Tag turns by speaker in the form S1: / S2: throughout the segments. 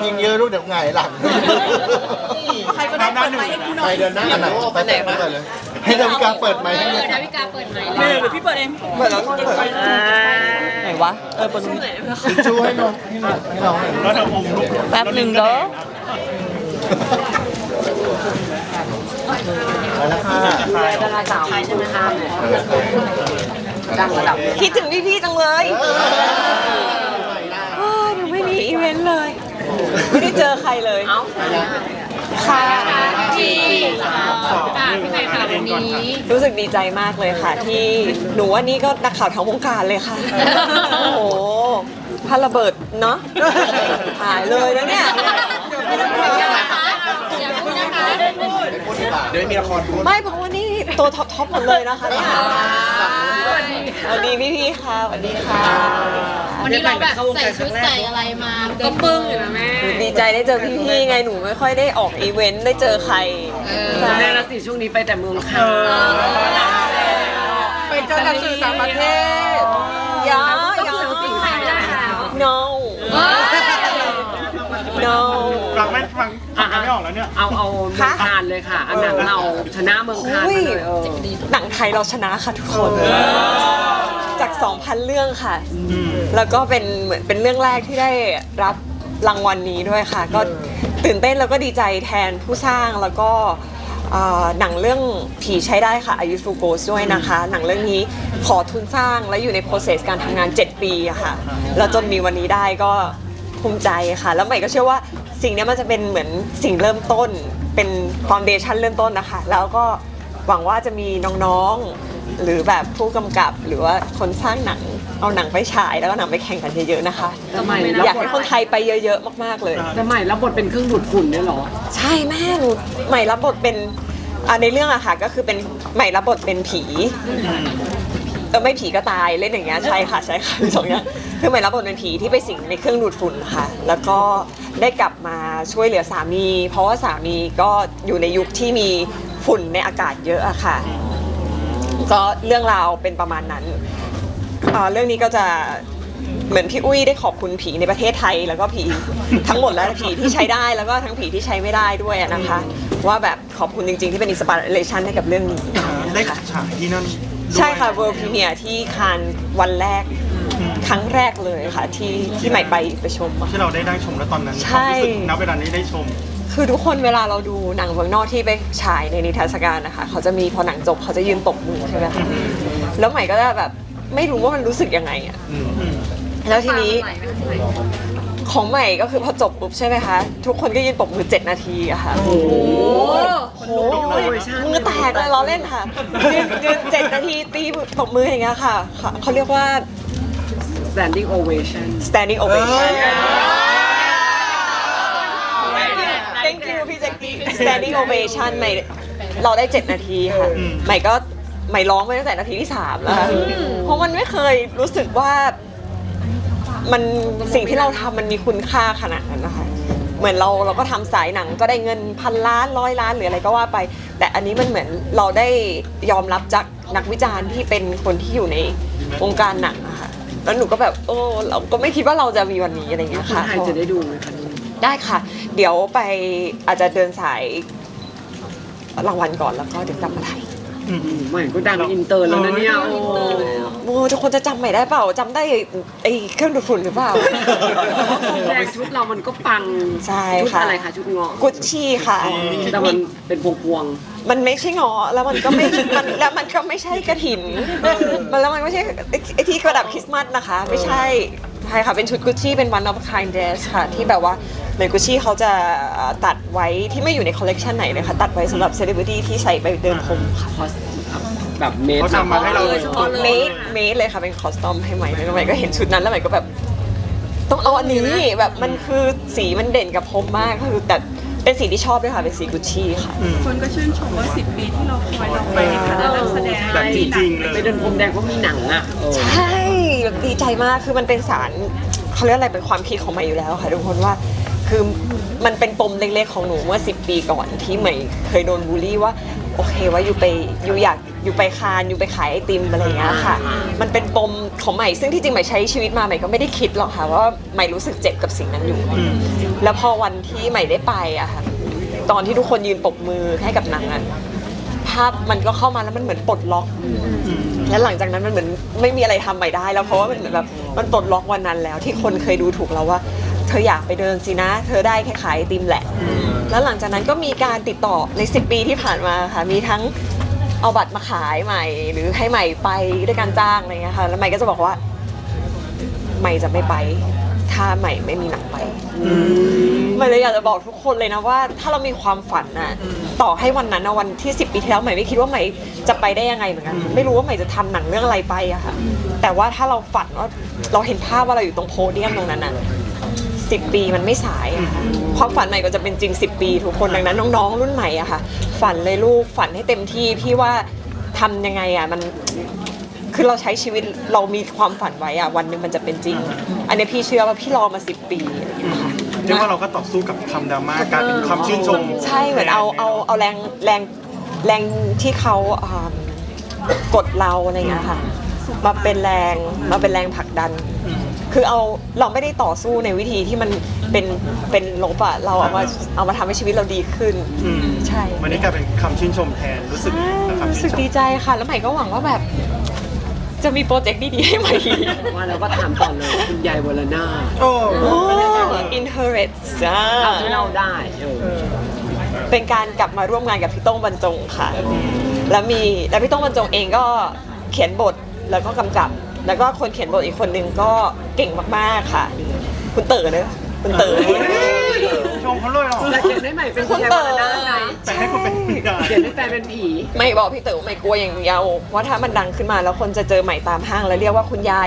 S1: ยิงเยอะลูกเดี๋ยวหงายหลัง
S2: ใครก็ได้เปิดไมค์ให้กูหน่อย
S1: ไปเดินหน้ากันหน่อยไปเปิดเลยให้ดาวิกาเปิดไมค์ให้เลย
S3: ดาวิกาเปิดไมค์
S2: หรือพี่เปิดเอง
S1: เปิดแล้วเปิด
S4: ไหนวะเปิดตรงนี้
S1: ทิชชู่ให้น้องให้น้องหน่อย
S5: แล้วเธออมลูก
S4: แป๊บหนึ่งเด้อ
S1: ไปแล้วค่ะ
S4: ดาราสาวใช่ไหมคะดังระดับคิดถึงพี่ๆจังเลยหนูไม่มีอีเวนต์เลย ไม่ได้เจอใครเลยค่ะ
S3: ที่พี่ใหม่ค่ะวันนี้
S4: รู้สึกดีใจมากเลยค่ะ ที่หนูว่านี่ก็นักข่าวทั้งวงการเลยค่ะ โอ้โหพาระเบิดเนาะถ่ายเลยนะเนี่ย
S1: เดี๋ยวมีละครดู
S4: ไม่เพราะว่านี่ตัวท็อปหมดเลยนะคะเนี่ยสวัสดีพี่ๆค่ะสวัสดีค่ะ
S3: วันนี้เราแบบใส่ชุดใส่อะไรมาก็ปึ้งอยู่นะแม่
S4: ดีใจได้เจอพี่ๆไงหนูไม่ค่อยได้ออกอีเวนต์ได้เจอใคร
S6: แม่ละสิช่วงนี้ไปแต่เมืองค่ะ
S2: ไปเจอหนังสือต่างประเทศ
S4: ยา no no
S5: ฟังไม่ออกแล้วเนี่ย
S6: เอาเมืองคานเลยค่ะอันหนังเราชนะเมืองคานมาเลย
S4: หนังไทยเราชนะค่ะทุกคนจาก 2,000 เรื่องค่ะ แล้วก็เป็นเหมือนเป็นเรื่องแรกที่ได้รับรางวัลนี้ด้วยค่ะ ก็ตื่นเต้นแล้วก็ดีใจแทนผู้สร้างแล้วก็หนังเรื่องผีใช้ได้ค่ะอายุฟูโกสด้วยนะคะ หนังเรื่องนี้ขอทุนสร้างและอยู่ใน process การทำงาน 7 ปีอะค่ะแล้วจนมีวันนี้ได้ก็ภูมิใจค่ะ แล้วใหม่ก็เชื่อว่าสิ่งนี้มันจะเป็นเหมือนสิ่งเริ่มต้นเป็น foundation เริ่มต้นนะคะแล้วก็หวังว่าจะมีน้องๆหรือแบบผู้กำกับหรือว่าคนสร้างหนังเอาหนังไปฉายแล้วก็หนังไปแข่งกันเยอะๆนะคะอยากให้คนไทยไปเยอะๆมากๆเลย
S6: แต่ใหม่รับบทเป็นเครื่องดูดฝุ่นเนี่ยหรอ
S4: ใช่แม่หนูใหม่รับบทเป็นในเรื่องอะค่ะก็คือเป็นใหม่รับบทเป็นผีไม่ผีก็ตายเล่นอย่างเงี้ยใช่ค่ะสองอย่างคือใหม่รับบทเป็นผีที่ไปสิงในเครื่องดูดฝุ่นค่ะแล้วก็ได้กลับมาช่วยเหลือสามีเพราะว่าสามีก็อยู่ในยุคที่มีฝุ่นในอากาศเยอะอะค่ะก็เรื่องราวเป็นประมาณนั้นเรื่องนี้ก็จะเหมือนพี่อุ้ยได้ขอบคุณผีในประเทศไทยแล้วก็ผีทั้งหมดแล้วผีที่ใช้ได้แล้วก็ทั้งผีที่ใช้ไม่ได้ด้วยนะคะว่าแบบขอบคุณจริงๆที่เป็นอินสปิเรชันให้กับเรื่องนี้
S5: ได้ฉายที่นั่น
S4: ใช่ค่ะ World Premiere ที่คานวันแรกครั้งแรกเลยค่ะที่ใหม่ไปชม
S5: ที่เราได้ชมแล้วตอนนั้น
S4: ใช่
S5: รู้สึกณเวลานี้ได้ชม
S4: คือทุกคนเวลาเราดูหนังเมืองนอกที่ไปฉายในนิทรรศการนะคะเขาจะมีพอหนังจบเขาจะยืนตบมือใช่ไหมคะแล้วใหม่ก็จะแบบไม่รู้ว่ามันรู้สึกยังไงอะแล้วทีนี้ของใหม่ก็คือพอจบปุ๊บใช่ไหมคะทุกคนก็ยืนปรบมือ7 นาทีอะค่ะโอ้โหมือแตกเลยล้อเล่นค่ะยืน7 นาทีตีปรบมืออย่างเงี้ยค่ะเขาเรียกว่า
S6: standing ovation
S4: standing ovation thank you พี่แจ็คกี้ standing ovation ใหม่เราได้7 นาทีค่ะใหม่ร้องไปตั้งแต่นาทีที่3แล้วเพราะมันไม่เคยรู้สึกว่ามันสิ่งที่เราทำมันมีคุณค่าขนาดนั้นนะคะเหมือนเราก็ทำสายหนังก็ได้เงิน1,000 ล้าน100 ล้านหรืออะไรก็ว่าไปแต่อันนี้มันเหมือนเราได้ยอมรับจากนักวิจารณ์ที่เป็นคนที่อยู่ในวงการหนังอะค่ะแล้วหนูก็แบบเราก็ไม่คิดว่าเราจะมีวันนี้อะไรอย่างเงี้ยค่ะ
S6: คนไทยจะได้ดูไหมคะ
S4: ได้ค่ะเดี๋ยวไปอาจจะเดินสายรางวัลก่อนแล้วก็เดี๋ยวกลับมาไทย
S6: ใหม่ก็ดังอินเตอร์แล้วนะเนี่ย
S4: โอ้ทุกคนจะจำใหม่ได้เปล่าจำได้ไอ้เครื่องดูดฝุ่นหรือเปล่า
S6: แรกชุดเรามันก็ปัง
S4: ใช่
S6: ชุด
S4: ค่ะ
S6: อะไรคะชุดเงาะ
S4: กุชชี่ค่ะ
S6: แต่มันเป็นพวง
S4: มันไม่ใช่เงาะแล้วมันก็ไม่แล้วมันก็ไม่ใช่กระถินแล้วมันไม่ใช่ไอ้ที่กระดับคริสต์มาสนะคะไม่ใช่ใช่ค่ะเป็นชุดกุชชี่เป็น one of a kind dress ค่ะที่แบบว่าในกุชชี่เขาจะตัดไว้ที่ไม่อยู่ในคอลเลกชันไหนเลยค่ะตัดไว้สำหรับเซเลบริตี้ที่ใส่ไปเดินพรมค่ะ
S6: คอสแบบเมด
S5: เขาทำมาให้เรา
S4: เมดเลยค่ะเป็นคอสตอมให้ใหม่แล้วใหม่ก็เห็นชุดนั้นแล้วใหม่ก็แบบต้องเอาอันนี้แบบมันคือสีมันเด่นกับพรมมากคือแต่เป็นสีที่ชอบด้วยค่ะเป็นสีกุชชี่ค่ะ
S2: คนก็ชื่นชมว่า10 ปีที่เราคอยเราไปในฐานะนักแสดง
S5: แบบจริงๆเลย
S6: ไปเดินพรมแดงก็มีหนังอ่ะ
S4: ใช่แบบดีใจมากคือมันเป็นสารเขาเรียกอะไรเป็นความคิดของใหม่อยู่แล้วค่ะทุกคนว่าคือมันเป็นปมเล็กๆของหนูเมื่อ10 ปีก่อนที่ใหม่เคยโดนบูลลี่ว่าโอเคว่าอยู่อยากอยู่ไปคานอยู่ไปขายไอติมอะไรอย่างเงี้ยค่ะ มันเป็นปมของใหม่ซึ่งที่จริงใหม่ใช้ชีวิตมาใหม่ก็ไม่ได้คิดหรอกค่ะว่าใหม่รู้สึกเจ็บกับสิ่งนั้นอยู่ แล้วพอวันที่ใหม่ได้ไปอะค่ะตอนที่ทุกคนยืนปรบมือให้กับนางอะภาพมันก็เข้ามาแล้วมันเหมือนปลดล็อก แล้วหลังจากนั้นมันเหมือนไม่มีอะไรทำใหม่ได้แล้วเพราะว่ามันเหมือนแบบมันปลดล็อกวันนั้นแล้วที่คนเคยดูถูกเราว่า เธออยากไปเดินสินะ เธอได้แค่ขายไอติมแหละ แล้วหลังจากนั้นก็มีการติดต่อใน10 ปีที่ผ่านมาค่ะมีทั้งเอาบัตรมาขายใหม่ หรือให้ใหม่ไปด้วยการจ้างอะไรเงี้ยค่ะแล้วใหม่ก็จะบอกว่าใหม่จะไม่ไปถ้าใหม่ไม่มีหนังไปใหม่เลยอยากจะบอกทุกคนเลยนะว่าถ้าเรามีความฝันน่ะต่อให้วันนั้นนะวันที่10 ปีที่แล้วใหม่ไม่คิดว่าใหม่จะไปได้ยังไงเหมือนกันไม่รู้ว่าใหม่จะทำหนังเรื่องอะไรไปอะค่ะแต่ว่าถ้าเราฝันว่าเราเห็นภาพว่าเราอยู่ตรงโพเดียมตรงนั้นน่ะ10 ปีมันไม่สายอะค่ะความฝันใหม่ก็จะเป็นจริง10 ปีทุกคนดังนั้นน้องๆรุ่นใหม่อะค่ะฝันเลยลูกฝันให้เต็มที่พี่ว่าทำยังไงอะมันคือเราใช้ชีวิตเรามีความฝันไว้อะวันหนึ่งมันจะเป็นจริง อันนี้พี่เชื่อว่าพี่รอมา10 ปีอะไรอย่างเงี้ยค่ะ
S5: เรียกว่าเราก็ต่อสู้กับคำดราม่ากลายเป็นคำชื่นชม
S4: ใช่เหมือนเอาแรงที่เขากดเราอะไรอย่างเงี้ยค่ะมาเป็นแรงผลักดัน คือเราไม่ได้ต่อสู้ในวิธีที่มันเป็นลบอะเราเอามาทำให้ชีวิตเราดีขึ้นใช่
S5: วันนี้กลายเป็นคำชื่นชมแทนรู้สึกนะครับ
S4: รู้สึกดีใจค่ะแล้วใหม่ก็หวังว่าแบบจะมีโปรเจกต์ดีๆให้ใหม่
S6: ว่าแล้วก็ถามต่อเลยคุณยายวรนาถ
S5: โอ้
S4: Inherit จ้า
S6: ทำที่เราได้
S4: เป็นการกลับมาร่วมงานกับพี่โต้งบรรจงค่ะแล้วพี่โต้งบรรจงเองก็เขียนบทแล้วก็กำกับ แล้วก็คนเขียนบทอีกคนนึงก็เก่งมากๆค่ะ คุณเต๋อเนอะคุณเต๋อ
S5: ชมเขาเลยเหรอ
S6: แต่เขียนได้ใหม่เป็นคุณยายวรนาถนะ
S5: แต่ให้คุณเป็นคุณยาย
S6: เขียนให้แฟนเป็นผี
S4: ไม่บอกพี่เต๋อไม่กลัวอย่างเดียวว่าถ้ามันดังขึ้นมาแล้วคนจะเจอใหม่ตามห้างแล้วเรียกว่าคุณยาย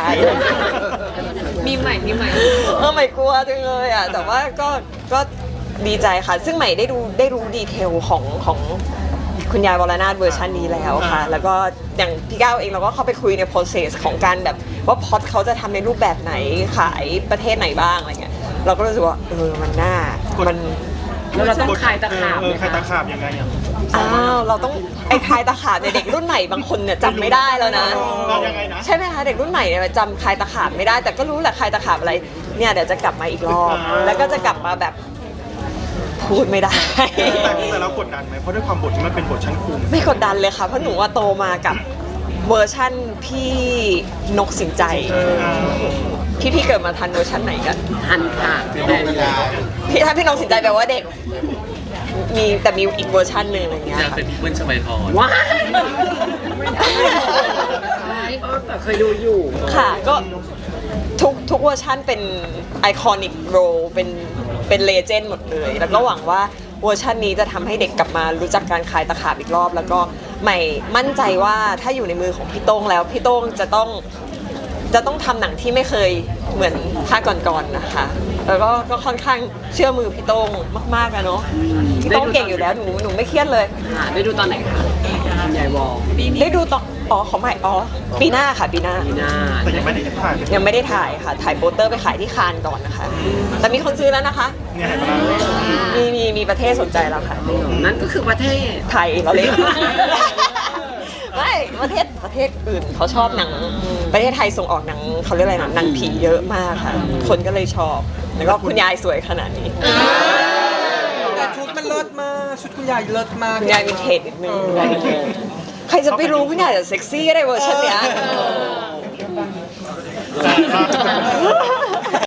S2: มีใหม่
S4: ไม่กลัวจังเลยอ่ะแต่ว่าก็ดีใจค่ะ ซึ่งใหม่ได้รู้ดีเทลของคุณยายวรนาถเวอร์ชันนี้แล้วค่ะ แล้วก็อย่างพี่ก้าวเองเราก็เข้าไปคุยใน process ของการแบบว่าพอดเขาจะทำในรูปแบบไหนขายประเทศไหนบ้างอะไรเงี้ยเราก็รู้สึกว่ามันน่ามัน
S6: แล้วเราต้องคลายตะขาบไหม
S5: คลายตะ
S6: คะ
S5: ขาบยังไงอ่ะ
S4: เราต้องคลายตะขาบในเด็กรุ่นใหม่บางคนเนี่ยจำไม่ได้แล้วนะ
S5: เรายังไงนะ
S4: ใช่ไหมคะเด็กรุ่นใหม่เนี่ยจำคลายตะขาบไม่ได้แต่ก็รู้แหละคลายตะขาบอะไรเนี่ยเดี๋ยวจะกลับมาอีกรอบแล้วก็จะกลับมาแบบพูดไม่ได้
S5: แต่เรากดดันไหมเพราะด้วยความบทที่มันเป็นบทชั้นครู
S4: ไม่กดดันเลยค่ะเพราะหนูว่าโตมากับเวอร์ชั่นพี่นกสินใจพี่เกิดมาทันเวอร์ชันไหนกัน
S6: ทันค่ะ
S4: ถ้าพี่นกสินใจแปลว่าเด็กแต่มีอีกเวอร์ชันหนึ่งอะไรเงี้ย
S7: อยาก
S4: ค่ะ
S7: เป็นพี่เปิ้ลชมัยพร
S6: ว้ายไม่ได้แต่เคยดูอยู่
S4: ค่ะก็ทุกเวอร์ชันเป็นไอคอนิกโรเป็นเลเจนด์หมดเลย แล้วก็หวังว่าเวอร์ชันนี้จะทำให้เด็กกลับมารู้จักการคลายตะขาบอีกรอบ แล้วก็ใหม่มั่นใจว่าถ้าอยู่ในมือของพี่โต้งแล้วพี่โต้งจะต้องทำหนังที่ไม่เคยเหมือนภาคก่อนๆนะคะแล้วก็ค่อนข้างเชื่อมือพี่โต้งมากๆอะเนาะพี่โต้งเก่งอยู่แล้วหนูไม่เครียดเลย
S6: ค่ะได้ดูตอนไหนคะคุณยายวอล
S4: ได้ดูตอนของใหม่ปีหน้าค่ะปีหน้า
S6: ปีหน้า
S5: แต่ยังไม่ได้ถ่าย
S4: ยังไม่ได้ถ่ายค่ะถ่ายโปสเตอร์ไปขายที่คานก่อนนะคะแต่มีคนซื้อแล้วนะคะ
S5: เนี่ยเห็นไหม
S4: มีประเทศสนใจแล้วค่ะ
S6: นั่นก็คือประเทศ
S4: ไทยเราเล่น ไม่ประเทศอื่นเขาชอบหนังประเทศไทยส่งออกหนังเขาเรียกอะไรนะหนังผีเยอะมากค่ะ คนก็เลยชอบแล้วก็คุณยายสวยขนาดนี้
S8: แต่ชุดมันเลิศมากชุดคุณยายเลิศมาก
S4: คุณยายวินเทจนิดนึงคุณยายวินเทจใครจะไปรู้คุณยายจะเซ็กซี่ก็ได้เวอร์ชันเนี้ย